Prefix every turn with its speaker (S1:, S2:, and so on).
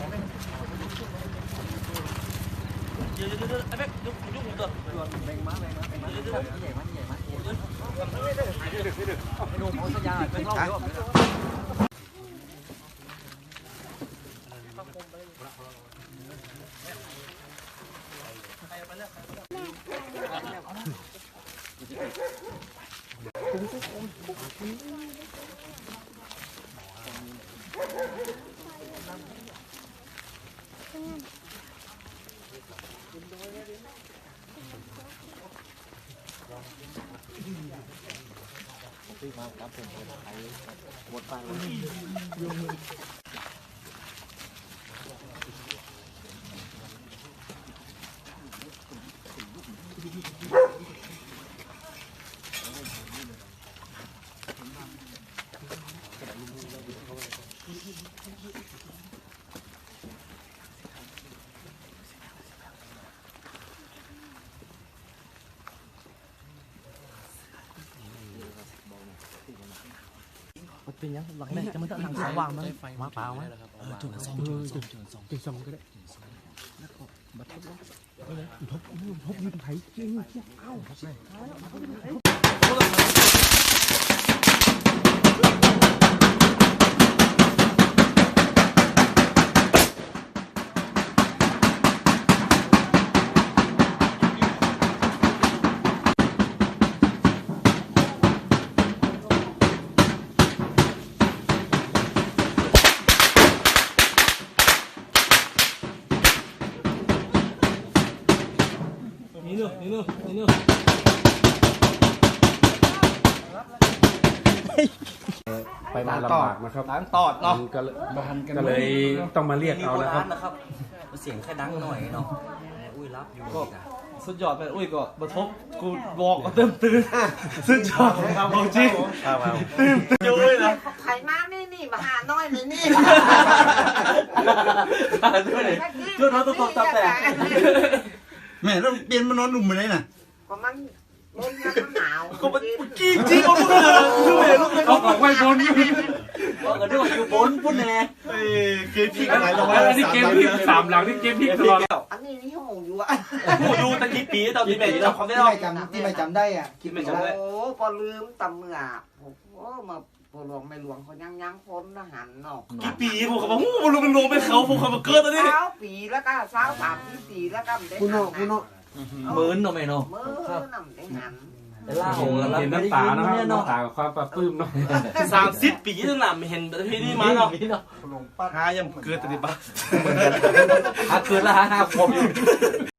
S1: เดี๋ยวไอ้แม็กยุ่งหมดเลยแบ่งมาใหญ่มาไอ้หนุ่มเขาสัญญาเป็นเล่าเยอะมาครับผมไอ้หมดฟังเป็นยังหลังแม่จะมันจะหลังสว่างมั้ยมาเปล่าไหมจุดสองก็ได้แล้วก็บัดทบยืนไถเกี้ยเอ้านี่ไปมาลำบากนะครับล้างตอดเนาะก็เลยต้องมาเรียกเอานะครับเสียงแค่ดังหน่อยเนาะอุ้ยรับอยู่ก็สุดยอดไปอุ้ยก็บรรทบกูบอกก็เติมตื่นสุดยอดครับจริงตื่นอยู่เลยนะ
S2: ไข่มานี่มาหาน้อยเลยนี่
S1: ช่วยน้องต้องตบแต่
S3: แม่ต้องเปลี่ยนมานอนหนุ่มไปเลยน่ะ
S2: ก็มันบนมันหนาว
S1: ก็มันจริงๆเขาพูดเลยคือแม่ลูกเขาบอกว่าบนก็ได้ว่าอยู่บนพุ่นแน่
S3: เกมพี่อะไรเรา
S4: อันนี้เกมพี่สามหลังนี่เกมพี่ตลอด
S2: อันนี้นี่ห้องอยู่อ่ะ
S1: ดูตะกี้ปีตอนที่แม่จำความได้หรอ
S3: ที่ไม่จำได้อ่ะ
S1: คิดไม่จำได้
S2: โอ้พอลืมตำเมื่อโอ้มาพอหลวงไม่หลวงเขายังพ้นทหารเนาะ
S1: กี่ปีพวกเขาบอกโอ้ลุงเป็นลงไปเขาพวกเขามาเกิดตอนนี้
S2: ปีแล้วก็3 ปีแล้วก็ได้
S3: คุณโน
S1: หมื่นเนาะแม่เนาะ
S2: มือนำได้หัน
S1: เล่า
S4: เห็นน้ำตาเนาะน้ำตากับความปลาปลื้มเนาะ
S1: 30 ปีตั้งนานไม่เห็นประเทศนี้มาเนาะ
S3: หายังเกิดตอนนี้บ้า
S1: เกิดละ5 ขวบอยู่